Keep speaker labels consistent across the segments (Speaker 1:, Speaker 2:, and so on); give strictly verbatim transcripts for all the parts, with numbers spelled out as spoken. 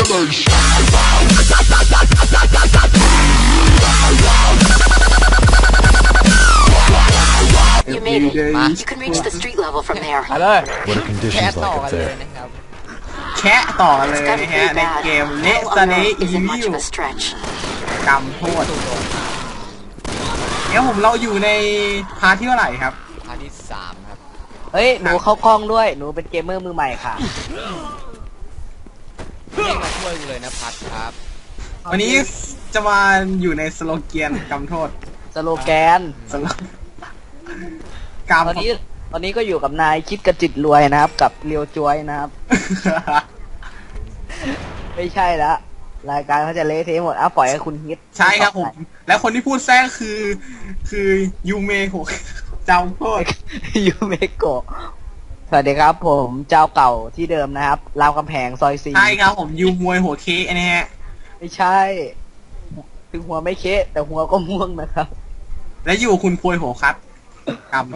Speaker 1: You made it. You can reach the street level from there.
Speaker 2: ไปเลย
Speaker 3: What are conditions like up there?
Speaker 4: แคะต่อเลยนะฮะในเกมเละซะนี้อีวิวกำโทษเดี๋ยวผมเราอยู่ในพาร์ทที่เท่าไหร่ครับ
Speaker 2: พาร์ทที่สามครับ
Speaker 5: เฮ้ยหนูเข้ากล้องด้วยหนูเป็นเกมเมอร์มือใหม่ค่ะ
Speaker 2: เรียกมาช่วยกูเลยนะพัดครับ
Speaker 4: วันนี้จะมาอยู่ในสโลแกนกำโทษ
Speaker 5: สโลแกน
Speaker 4: สโล
Speaker 5: กำตอนนี้ตอนนี้ก็อยู่กับนายคิดกระจิตรวยนะครับกับเลียวจวยนะครับ ไม่ใช่ละรายการเขาจะเละเทะหมดอ่ะปล่อยให้คุณฮิต
Speaker 4: ใช่ครับผมแล้วคนที่พูดแทรกคือคือยูเมโกะเจ้าโทษ
Speaker 5: ยูเมโกะสวัสดีครับผมเจ้าเก่าที่เดิมนะครับรามคำแหงซอยซี
Speaker 4: ใช่ครับผมยูมวยหัวเคนะฮะ
Speaker 5: ไม่ใช่ถึงหัวไม่เคแต่หัวก็ม่วงนะครับ
Speaker 4: และอยู่คุณพวยหัวครับกำ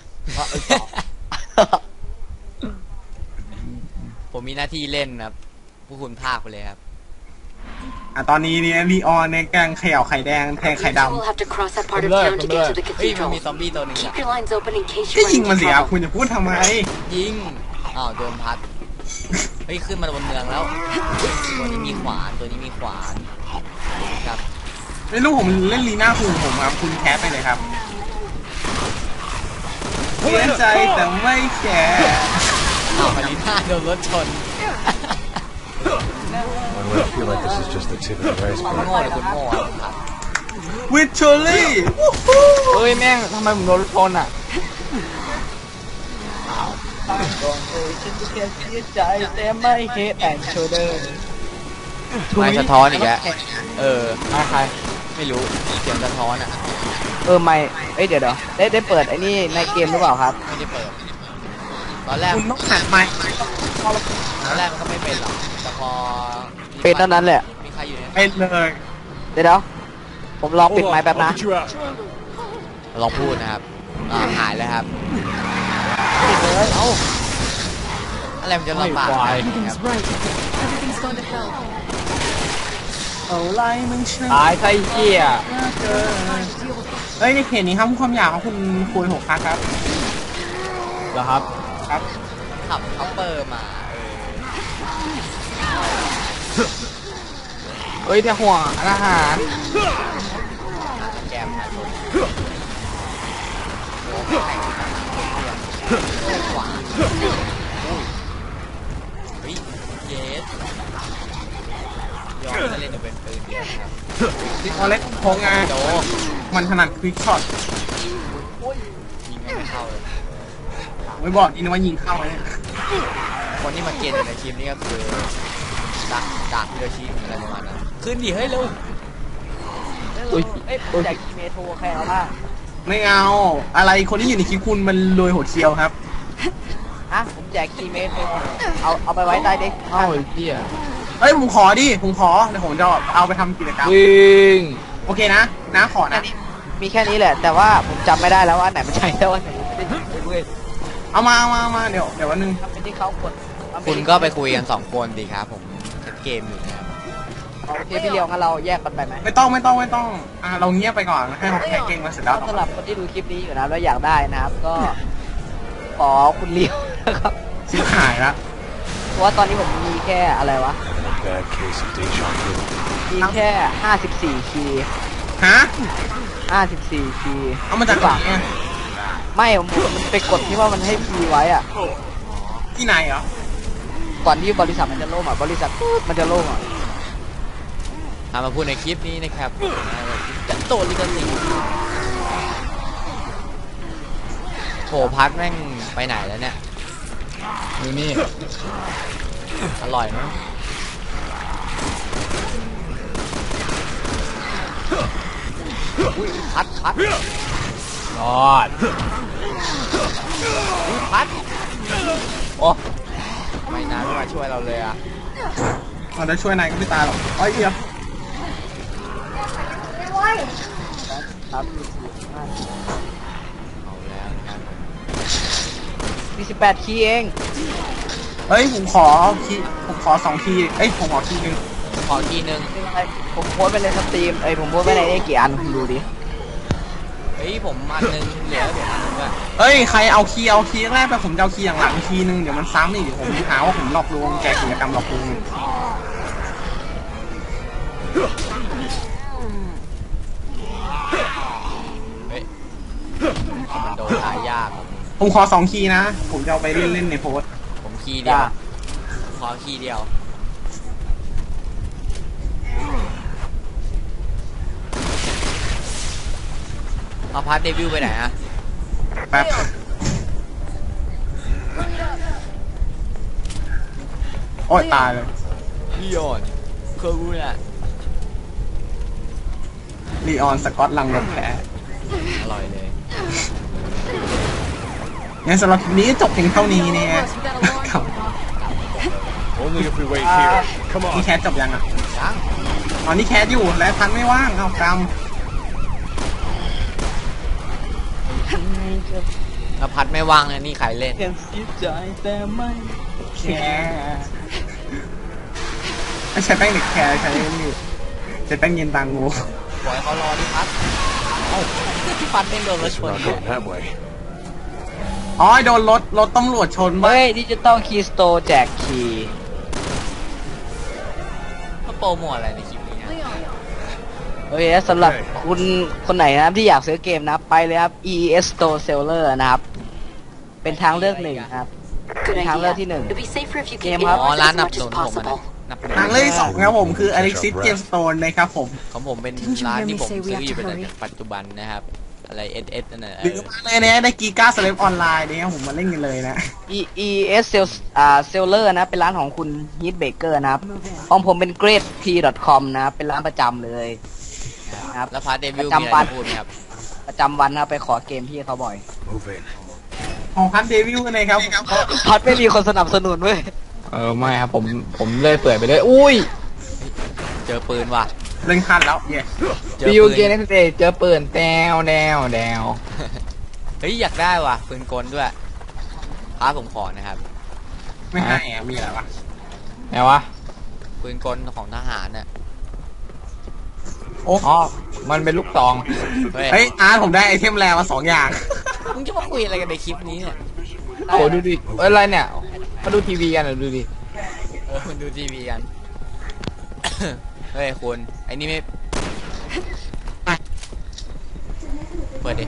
Speaker 2: ผมมีหน้าที่เล่นครับผู้คุณภาคไปเลยครับ
Speaker 4: อ่ะตอนนี้เนี่ยลีออนเนี่ยกำลังเขย่าไข่แดงแทงไข่ดำ
Speaker 2: เฮ้ยมันมีซอมบี้ตัวนึงอ่ะ
Speaker 4: ก็ยิงมันสิครับคุณจะพูดทำไม
Speaker 2: ยิงอ้าวโดนพัดเฮ้ยขึ้นมาบนเมืองแล้วตัวนี้มีขวานตัวนี้มีขวานครับ
Speaker 4: ไม่รู้ผมเล่นลีน่าคุณผมครับคุณแคสไปเลยครับเสียใจแต่ไม่แคร์
Speaker 2: อ้าวลีน่าโดนรถชน
Speaker 3: I feel like this is just the tip of the iceberg.
Speaker 2: โง่เลยคุณโง่ครับ
Speaker 4: วิทเชอรี่
Speaker 5: เฮ้ยแม่งทำไมผมโดนชนอ่ะก่อนเลยฉันจะแค่เสียใจแต่ไม่เฮดแอนด์โชเดอร์
Speaker 2: ไม่สะท้อนอีกแล้วเออมาใครไม่รู้เสียงสะท้อนอ่ะ
Speaker 5: เออไม่เอ้ยเดี๋ยวเดี๋ยวได้ได้เปิดไอ้นี่ในเกมหรือเปล่าครับ
Speaker 2: ไม่ได้เปิดตอนแรก
Speaker 4: คุณต้องหันไมค์
Speaker 2: ตอนแรกมันก็ไม่เป็นหรอกแต่พอ
Speaker 5: เป็นเท่านั้นแหละ
Speaker 2: มีใครอยู่
Speaker 4: เนี่ยเป็นเลย
Speaker 5: เดี๋ยวผมลองปิดไมค์แป๊บนะ
Speaker 2: ลองพูดนะครับอ่าหายแล้วครับ
Speaker 5: ปิดเลยเอ้า
Speaker 2: อะไรมันจะลำบากครับ
Speaker 4: เอาไล่มึง
Speaker 5: ตายไส้เหี้ย
Speaker 4: เฮ้ยในเขตนี้ครับความอยากของคุณคุยหกครั้งครับ
Speaker 5: เหรอครับ
Speaker 4: ครับ
Speaker 2: ขับคัพเปอร์มา
Speaker 5: เฮ้ยแต่ห่วงอาหาร
Speaker 2: แกมหาชนขวาเฮ้ยเยสยอมจะเล่นจะเป็นปืนเดียวครับ
Speaker 4: ดิคอเล็กโคงาโดมันถนัดควิกช็อต
Speaker 2: ยิงไม่เข้าเลย
Speaker 4: ไม่บอกนี่นะว่ายิงเข้าเนี่ย
Speaker 2: คนที่มาเกณฑ์ในทีมนี้ก็คือดักดักฮิโรชิอะไรประมาณนั้นขึ้นดิเฮ้ยเร็ว
Speaker 5: อุ้ยเอ้ยผมอยากกินเมโทรแค่เอาล่ะ
Speaker 4: ไม่เอาอะไรคนที่อยู่ในคลิปคุณมันรวยโหดเชียวครับ
Speaker 5: ฮะผมแจกคีเมโทรเอาเอาไปไว้ใต้เด็ก
Speaker 2: เอ้าเหี้ย
Speaker 4: เฮ้ยผมขอดิผมขอเดี๋ยวผมจะเอาไปทำกิจกรรม
Speaker 5: วิ่ง
Speaker 4: โอเคนะนะขอนะ
Speaker 5: มีแค่นี้แหละแต่ว่าผมจำไม่ได้แล้วว่าไหนมันใช่แล้วว่าไหนไม่ได้
Speaker 4: เอามาเอามาเอามาเดี๋ยวเดี๋ยววันนึง
Speaker 5: เป็นที่เขากด
Speaker 2: คุณก็ไปคุยกันสองคนดีครับผมเล่นเกมอยู่นะครับ
Speaker 5: โอเคพี่เลี้ยวงั้นเราแยกกันไปไหม
Speaker 4: ไม่ต้องไม่ต้องไม่ต้องอ่าเราเงียบไปก่อนให้เขาแข่งเกมมาเสร็จแล้ว
Speaker 5: สำหรับคนที่ดูคลิปนี้อยู่นะแล้วอยากได้นะครับก็ขอคุณเลี้ยวนะครับ
Speaker 4: ชิบหายละ
Speaker 5: เพราะว่าตอนนี้ผมมีแค่อะไรวะมีแค่ห้าสิบสี่คีย์
Speaker 4: ฮะ
Speaker 5: ห้าสิบสี่คีย์
Speaker 4: เอามาจากหลังเนี่ย
Speaker 5: ไม่ผมมันไปกดที่ว่ามันให้พีไว้อะ
Speaker 4: ที่ไหนเหรอ
Speaker 5: ก่อนที่บริษัทมันจะล่มอ่ะบริษัทมันจะล่มอ่ะ
Speaker 2: ทำมาพูดในคลิปนี้นะครับจะโตลิกันสิโถพัดแม่งไปไหนแล้วเนี่ย
Speaker 5: อยู่นี่
Speaker 2: อร่อยมั้ยอุ้ยพัดพัด
Speaker 5: รอด
Speaker 2: อุ้ยพัดโอ้ไม่นานไม่มาช่วยเราเลยอ่ะ
Speaker 4: เราจะช่วยนายก็ไม่ตายหรอกอ้อยเอียบ
Speaker 5: ครับเอาแล้วครับมีสิบแปดคีย์เอง
Speaker 4: เฮ้ยผมขอคีผมขอสองคีเอ้ยผมขอคีหนึ่ง
Speaker 2: ขอทีนึง
Speaker 5: ผมโพสต์ไปในสตรีมเอ้ยผมโพสต์ไปในนี้กี่อันคุณดูดิ
Speaker 2: เฮ้ยผมอันนึงเหลือผมอันนึงด้วย
Speaker 4: เอ้ยใครเอาคีเอาคีแรกไปผมจะเอาคีอย่างหลังคีหนึ่งเดี๋ยวมันซ้ำอีกเดี๋ยวผมหาว่าผมหลอกลวงแจกกิจกรรมหลอกลวง
Speaker 2: เฮ้ยมันโดนตายยาก
Speaker 4: ผมขอสองคีนะผมจะเอาไปเล่นเล่นในโพสต์
Speaker 2: ผมคีย์เดียวขอคีย์เดียวเอาพาร์ทเดบิวต์ไปไหนอะ
Speaker 4: แป๊บโอ้ยตายเลย
Speaker 2: ลีออนเคอร์บูน่ะ
Speaker 4: ลีออนสกอตลังลมแพ้
Speaker 2: อร่อยเลย
Speaker 4: งั้นสำหรับคลิปนี้จบเพียงเท่านี้เนี่ยครับ
Speaker 3: Only if we wait here. Come
Speaker 4: นี่
Speaker 3: on.
Speaker 4: แคสจบยังอ่ะ
Speaker 2: ยัง
Speaker 4: อ๋อนี่แคสอยู่และพันไม่ว่างเอากรรม
Speaker 2: แล้วพัดไม่ว่างเลยนี่ใครเล่น
Speaker 5: เห็นสีใจแต่ไม่
Speaker 4: แคร์ไม่ใช่แป้งเด็กแคร์ใช้นี่ใช้แป้งเย็นตางู
Speaker 2: ปล่อยเขารอดิพัดเอ้าพี่พัดไม่โดนรถช
Speaker 3: We're
Speaker 2: น
Speaker 3: not going that way.
Speaker 4: อ๋อโดนรถรถตำรวจชนบ้า
Speaker 5: เฮ้ยดิจิตอลคีย์สโตร์แจกคีย์
Speaker 2: เขาโปรโมทอะไรในคลิปนี้นะ
Speaker 5: โอเคสำหรับคุณคนไหนนะครับที่อยากซื้อเกมนะครับไปเลยครับ อี อี เอส Store Seller นะครับ เป็นทางเลือกหนึ่งครับ
Speaker 1: Good
Speaker 5: Thang lơ
Speaker 1: idea.
Speaker 5: thi nừng.
Speaker 1: It'd be safer if you
Speaker 5: Game
Speaker 1: keep
Speaker 5: hấp.
Speaker 2: อ๋อ
Speaker 1: indoors
Speaker 2: ร้าน
Speaker 1: as
Speaker 2: นับ
Speaker 1: much
Speaker 2: หนุ
Speaker 1: as
Speaker 2: นผมอะนะ
Speaker 1: possible.
Speaker 2: นับหนุน
Speaker 4: ทางเลือกที่สองครับผมคือ Alexis Game Stone นะครับผม
Speaker 2: ของผมเป็นร้านที่ผมซื้ออยู่เป็นปัจจุบันนะครับ อะไร เอส เอส นั่นแหละ
Speaker 4: หรือมาเลยเนี่ยได้กีก้าสเลปออนไลน์เนี่ยผมมาเล่นกันเลยนะ
Speaker 5: อี อี เอส Sales อ่า Seller นะเป็นร้านของคุณ Heat Baker นะครับของผมเป็น grade p dot com นะครับเป็นร้านประจำเลยนะครับ
Speaker 2: แล้วพาร์ทเดบิวต์
Speaker 5: ประ
Speaker 2: มี
Speaker 5: จำ
Speaker 2: อะไร
Speaker 5: วัน
Speaker 2: จะพูดไหมครับ
Speaker 5: ประจำวันนะครับไปขอเกมพี่เขาบ่อย
Speaker 3: Move in.
Speaker 4: ของพันเดวิลนะครับ
Speaker 5: พัดไม่มีคนสนับสนุนเว้ย
Speaker 6: เออไม่ครับผมผมเลยเปื่อยไปเลยอุ้ย
Speaker 2: เจอปืนว่ะ
Speaker 4: เล่นคันแล้วเย้
Speaker 2: เจอ
Speaker 6: บิว
Speaker 2: ปืน
Speaker 6: เกนเอ็กซ์เเจอปืนแดวแดวแดว
Speaker 2: เฮ้ยอยากได้ว่ะปืนกลด้วยพาร์ทผมขอนะครับ
Speaker 4: ไม่ให้อะมีอะไรวะ
Speaker 6: ไหนวะ
Speaker 2: ปืนกลของทหารน่ะ
Speaker 4: โอ้
Speaker 6: อ๋อมันเป็นลูกซอง
Speaker 2: เฮ้ย
Speaker 4: เฮ้ยอาร์ตผมได้ไอเทมแรมาสองอย่าง
Speaker 2: มึงจะมาคุยอะไรกันในคลิปนี้เนี่ย
Speaker 6: โอ้ดูดิเอ้ยอะไรเนี่ยมาดูทีวีกันเหรอดูดิ
Speaker 2: เออมันดูทีวีกัน เฮ้ยคุณไอ้นี่ไม่เปิดดิ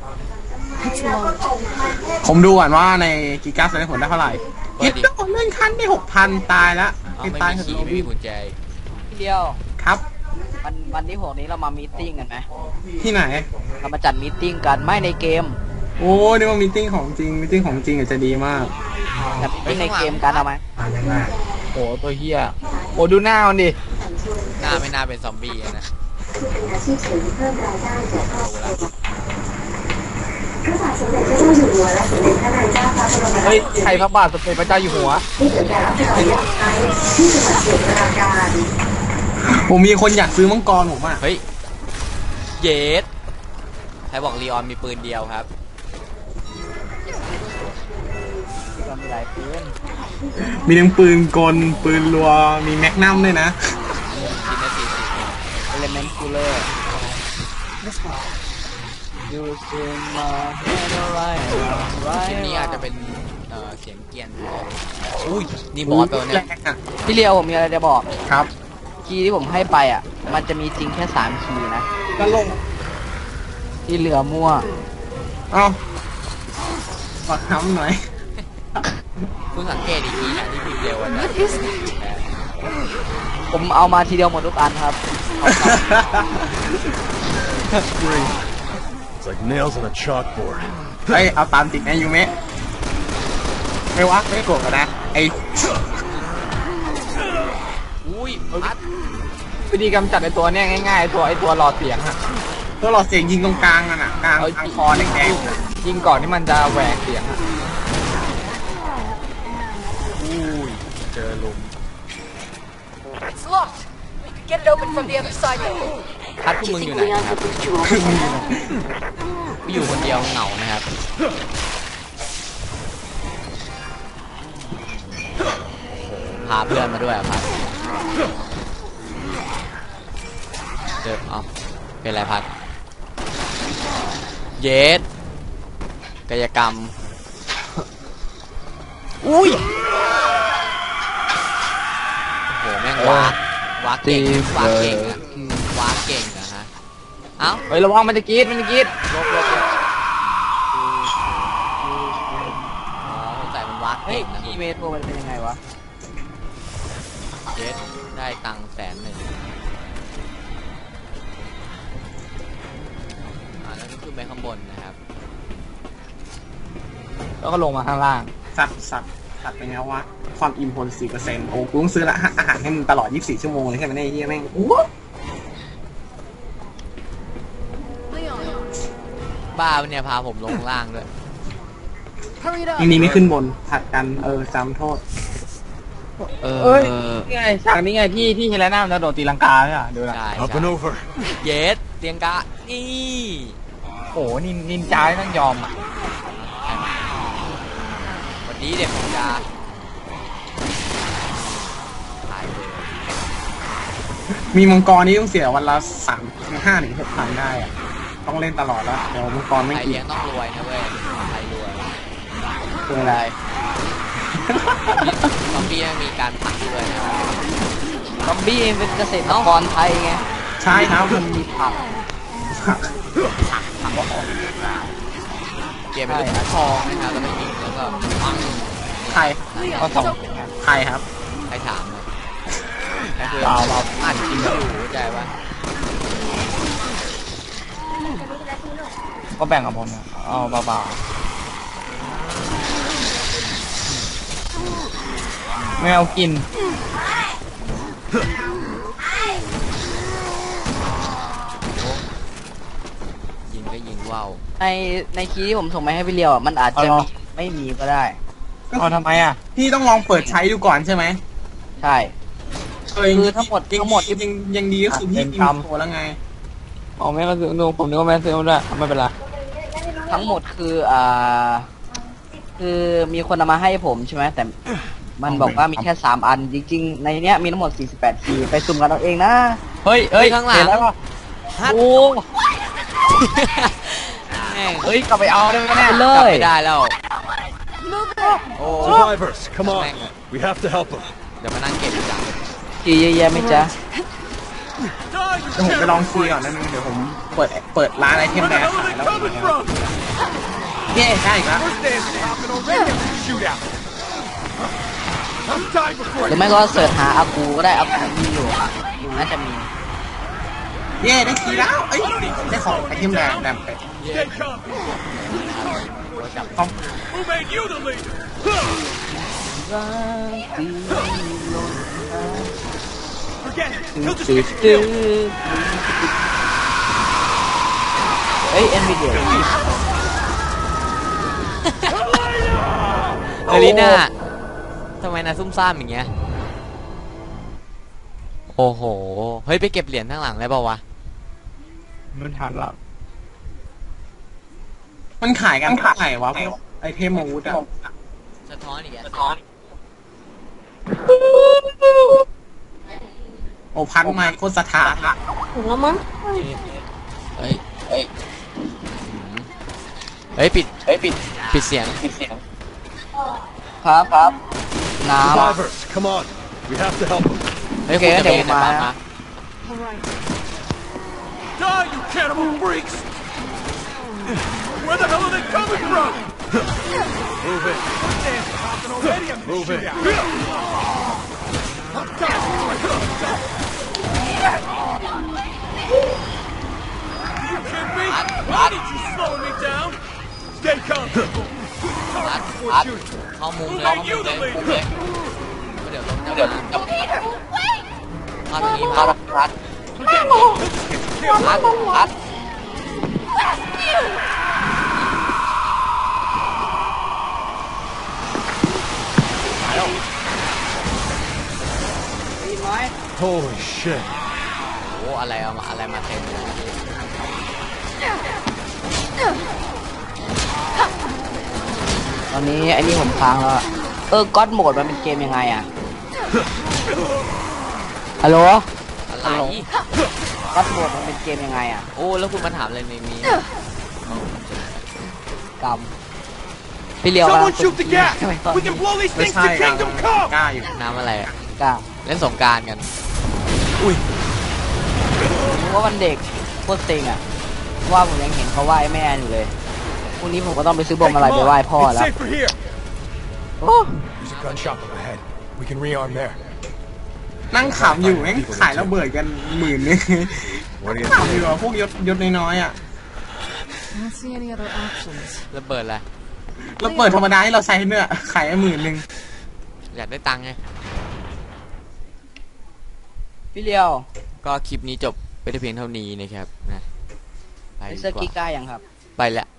Speaker 4: ผมดูก่อนว่าในกีก้าสเลปผลได้เท่าไหร่
Speaker 2: เปิ
Speaker 4: กิ
Speaker 2: ด
Speaker 4: ฟ
Speaker 2: ดิ
Speaker 4: ต์ต้องเล่นคันได้หกพันตายแล้ว
Speaker 2: เอา
Speaker 4: ไอ้
Speaker 2: ไม่
Speaker 4: ตาย
Speaker 2: มี
Speaker 4: เถ
Speaker 2: ขี่
Speaker 4: อะ
Speaker 2: ไม่มีกุญแจ
Speaker 5: พี่เดียว
Speaker 4: ครับ
Speaker 5: วันวันที่หกนี้เรามามีตติ้งกันไหม
Speaker 4: ที่ไหน
Speaker 5: เรามาจัดมีตติ้งกันไม่ในเกม
Speaker 4: โอ้นี่ว่ามีติ้งของจริงมีติ้งของจริงอาจจะดีมาก
Speaker 5: จัดมีตติ้งในเกมกันเอาไหม
Speaker 6: โอ้ตัวเฮียโอ้ดูหน้ามันดิ
Speaker 2: หน้าไม่น่าเป็นซอมบี้อะนะ
Speaker 6: เฮ้ยใครพระบาทสมเด็จพระเจ้าอยู่หัว
Speaker 4: ผมมีคนอยากซื้อมังกรผมอ่ะ
Speaker 2: เฮ้ยเยสใครบอกลีออนมีปืนเดียวครับ
Speaker 5: เรามีหลายปืน
Speaker 4: มีทั้งปืนกลปืนรัวมีแมกนัมด้วยนะ
Speaker 2: ชิ้นละสี่สิบ
Speaker 5: Element Cooler You see my head right
Speaker 2: ชิ้น
Speaker 5: right
Speaker 2: นี้อาจจะเป็นเอ่อเสียงเกียนอุ้ยนี่บอสตัว
Speaker 4: แร
Speaker 2: เนี่ย
Speaker 4: งอ่ะ
Speaker 5: พี่เลียวผมมีอะไรจะบอก
Speaker 4: ครับ
Speaker 5: คีย์ที่ผมให้ไปอ่ะ มันจะมีจริงแค่สามคีย์นะ
Speaker 4: ก็ลง
Speaker 5: ที่เหลือมั่ว
Speaker 4: เอ้าบักน้ำหน่อย
Speaker 2: คุณสังเกตอีกทีนะที่พิมพ์เร็วอะนะ
Speaker 5: ผมเอามาทีเดียวหมดทุกอันครับเอาครับ
Speaker 3: It's like nails on a chalkboard.
Speaker 4: เฮ้ยเอาตามติดนะยูเมะไม่วะไม่โกรธกันนะไอ
Speaker 2: อุ้ยพัด
Speaker 6: วิธีกำจัดไอตัวเนี้ยง่ายๆไอ้ตัวไอตัวหลอดเสียงอะ
Speaker 4: ตัวหลอดเสียงยิงตรงกลางนั่นน่ะกลางกลางคอแดง
Speaker 6: ยิงก่อนที่มันจะแหวกเสียงอะ
Speaker 2: อุ้ยเจอลุม
Speaker 1: It's locked. We could get it open from the other side.
Speaker 2: พัดพวก
Speaker 1: Do you
Speaker 2: มึงอยู่
Speaker 1: think
Speaker 2: ไหน
Speaker 1: Leon
Speaker 2: ครับ
Speaker 1: could boost you over?
Speaker 2: ไม่อยู่คนเดียวเหงานะครับาเพื่อนมาด้วยอะพัดเจอเอาเป็นไรพัดเยสกายกรรมอุ้ยโอ้โหแม่งวากวากเก่งวากเก่งอะวากเก่งอะฮะเอ้า
Speaker 6: เฮ้ยระวังมันจะกรีดมันจะกรีด
Speaker 2: ลบลบลบอ๋อสงสัยมันวาก
Speaker 5: เฮ้ย
Speaker 2: เก่งนะ
Speaker 5: ทีเมโทรมันเป็นยังไงวะ
Speaker 2: เยสได้ตังค์แสนหนึ่งอ่าแล้วก็ขึ้นไปข้างบนนะครับ
Speaker 6: แล้วก็ลงมาข้างล่าง
Speaker 4: สัตว์สัตว์สัตว์เป็นไงวะความอิ่มพลสี่เปอร์เซ็นต์โอ้กูต้องซื้อละอาหารให้มึงตลอดยี่สิบสี่ชั่วโมงเลยใช่ไหมเนี่ยไอ้เหี้ยแม่งอู้
Speaker 2: บ้าปะเนี่ยพาผมลงล่างด้วย
Speaker 1: Hurry it up.
Speaker 4: ยังนี้ไม่ขึ้นบนผัดกันเออจำโทษ
Speaker 2: เออ
Speaker 6: เอ้ยนี่ไงฉากนี้ไงที่ที่เฮเลน่ามันจะโดดตีลังกาใช่ป่ะดูนะ
Speaker 2: ใช่
Speaker 3: Up
Speaker 2: ใช่
Speaker 3: and over.
Speaker 2: เยสเตียงกะนี่
Speaker 6: โอ้โหนินนินจาไม่ต้องยอมอ่ะ
Speaker 2: วันนี้เด็กของยาตายเลย
Speaker 4: มีมังกรนี่ต้องเสียวันละสามห้าถึงหกพันได้อะต้องเล่นตลอดแล้วเดี๋ยวมังกรไม่
Speaker 2: ใคร
Speaker 4: อิ่
Speaker 2: เลี้ย
Speaker 4: ม
Speaker 2: งต้องรวยนะเว้ยใครรวย
Speaker 4: คืออะไร
Speaker 2: ซอมบี้ไม่มีการผักด้วยนะ
Speaker 5: ซอมบี้เป็นเกษตรกรไทยไง
Speaker 4: ใช่ครับมัน
Speaker 5: มีผัก
Speaker 2: เกมเป็นลูกทองนะครับแล้วก็ยิงแล้วก็ปัง
Speaker 4: ใคร
Speaker 6: ก็สอง
Speaker 4: ใครครับ
Speaker 2: ใครถามเลยใครคุย
Speaker 6: เปล่าเปล่า
Speaker 2: อ่านจริงอยู่เข้าใจปะ
Speaker 6: ก็แบ่งกับผมนะเอาเบาๆไม่เอากิน
Speaker 2: ยิงก็ยิงว่าว
Speaker 5: ในในคีย์ที่ผมส่งไปให้พี่เลียวอ่ะมันอาจจะ
Speaker 6: เอาเหรอ
Speaker 5: มีไม่มีก็ได้
Speaker 6: เอาทำไมอ่ะ
Speaker 4: พี่ต้องลองเปิดใช้ดูก่อนใช่ไหม
Speaker 5: ใช่
Speaker 4: เออ
Speaker 5: คือทั้งหมด
Speaker 4: ยัง
Speaker 5: ทั้งหมดที่
Speaker 4: ยังยังดีก็คือพี่
Speaker 6: เป็น
Speaker 4: อิ
Speaker 6: กร
Speaker 4: น
Speaker 6: รม
Speaker 4: โทรแล้วไง
Speaker 6: อ๋อแม่ก็ซื้อดูผมนึกว่าแม่ซื้อมาด้วยไม่เป็นไร
Speaker 5: ทั้งหมดคืออ่าคือมีคนเอามาให้ผมใช่ไหมแต่มันบอกว่ามีแค่สามอันจริงๆ ในเนี้ยมีทั้งหมดสี่สิบแปดคีย์ไปสุ่มกันเอาเองนะ
Speaker 6: เฮ้ยเฮ้ย
Speaker 2: ข้างหลัง
Speaker 6: เห็นแล้วป่ะ
Speaker 2: ฮัท
Speaker 6: โอ้
Speaker 2: แม่ง
Speaker 6: เฮ้ยกลับไปเอาได้ไหมเนี่ย
Speaker 5: เล
Speaker 2: กลับ
Speaker 5: ย
Speaker 2: ไม่ได้แล้ว โอ้
Speaker 3: Survivors, come on.
Speaker 2: Bang.
Speaker 3: We have to help them.
Speaker 2: เดี๋ยวมานั่งเก็บอีกจัง
Speaker 5: คีย์เยอะแยะไหมจ๊ะ
Speaker 4: เดี๋ยวผมไปลองคีย์ก่อนนะนึงเดี๋ยวผมเปิดเปิดร้านไอเทมแดงขายแล้วเย้ได้อีกแล้ว
Speaker 3: Shootout. I'm dying
Speaker 5: ห
Speaker 3: before
Speaker 5: รือไม่ก็เสิร์ชหาอากูก็ได้อากูมีอยู่อยู่น่าจะมี
Speaker 4: เย้ได้คีย์แล้วเอ้ยได้ของไอเทมแดงแดงเป็ด
Speaker 3: Stay calm.
Speaker 4: ต้อง
Speaker 3: Who made you the leader? 'Forget it. He'll just
Speaker 5: ตื้อ
Speaker 3: get
Speaker 5: ตื้อ
Speaker 3: killed.
Speaker 5: เฮ้ยเอ็นวีเดีย
Speaker 2: เอลิน่าทำไมนายซุ่มซ่ามอย่างเงี้ย โอ้โห เฮ้ยไปเก็บเหรียญข้างหลังได้ป่าวะ
Speaker 6: มันหันหลัง
Speaker 4: มันขายกันเท่าไหร่วะพวกไอเทมอาวุธอะ
Speaker 2: สะท้อนอีกสะท้อน
Speaker 4: โอพันไมค์โคตรสถานอะ
Speaker 2: เฮ้ย เฮ้ยอืมเฮ้ยปิด เฮ้ยปิด ปิดเสียง ปิดเสียง
Speaker 5: ครับครับน้ำ
Speaker 3: Survivors, come on. We have to help them.
Speaker 2: เฮ้ย
Speaker 5: โอเค
Speaker 2: คุณจะ
Speaker 5: เดี๋ยว
Speaker 2: ไป
Speaker 5: มา
Speaker 2: ไหนบ้าง
Speaker 3: Die, you cannibal freaks! Where the hell are they coming from? Move it. Move it. I'm dying. You kidding me? Why did you slow me down? Stay calm, people.
Speaker 2: อัด
Speaker 3: Before
Speaker 2: อัด
Speaker 3: shooting.
Speaker 2: เข้ามุมเลยเข้ามุมเลยมุมเลยเดี๋ยวเดี๋ยวจะมาพาตรงนี้พาพัดพัดพัด
Speaker 3: Holy shit.
Speaker 2: โอ้อะไรเอามาอะไรมาเต็มเลย
Speaker 5: ตอนนี้ไอ้นี่ผมค้างแล้วอะเออก็อดโหมดมันเป็นเกมยังไงอ่ะฮัลโหล
Speaker 2: อะไร
Speaker 5: วัดโหมดมันเป็นเกมยังไงอ่ะ
Speaker 2: โอ้แล้วคุณมาถามอะไรในนี้
Speaker 5: กรรมพี่เลียว
Speaker 3: Someone shoot the
Speaker 5: ก
Speaker 3: gas!
Speaker 5: ทำไมตอน
Speaker 3: We
Speaker 5: นี้
Speaker 3: can blow these
Speaker 4: ไม่
Speaker 3: things
Speaker 4: ใช่
Speaker 3: to
Speaker 4: กลาง
Speaker 3: Kingdom
Speaker 4: ก
Speaker 3: Come!
Speaker 4: ล้าอยู่
Speaker 2: น้ำอะไรอะ
Speaker 5: กล้า
Speaker 2: เล่นสงกรารกัน
Speaker 5: ผมว่าวันเด็กโคตรเซ็งอ่ะว่าผมยังเห็นเขาไหว้แม่อยู่เลยพรุ่งนี้ผมก็ต้องไปซื้อบอมอะไรไปไหว้พ่อ
Speaker 3: It's
Speaker 5: แล้ว
Speaker 3: safer here.
Speaker 5: โอ้
Speaker 3: There's a gun shop up ahead. We can rearm there.
Speaker 4: นั่งขำอยู่แม่งขายระเบิดกันหมื่นนึงขำอยู่อ่ะพวกยศยศน้อยๆอ่ะ
Speaker 1: I don't see any other options.
Speaker 2: ระเบิดอะไร
Speaker 4: ระเบิดธรรมดาที่เราใช้เนี่ยขายหมื่นนึง
Speaker 2: อยากได้ตังค์ไง
Speaker 5: พี่เลียว
Speaker 2: ก็คลิปนี้จบไปแต่เพียงเท่านี้นะครับนะไป
Speaker 5: ไป
Speaker 2: ดี
Speaker 5: เสื้อก กิ๊ก
Speaker 2: ว่า
Speaker 5: ได้ยังครับ
Speaker 2: ไปแล้ว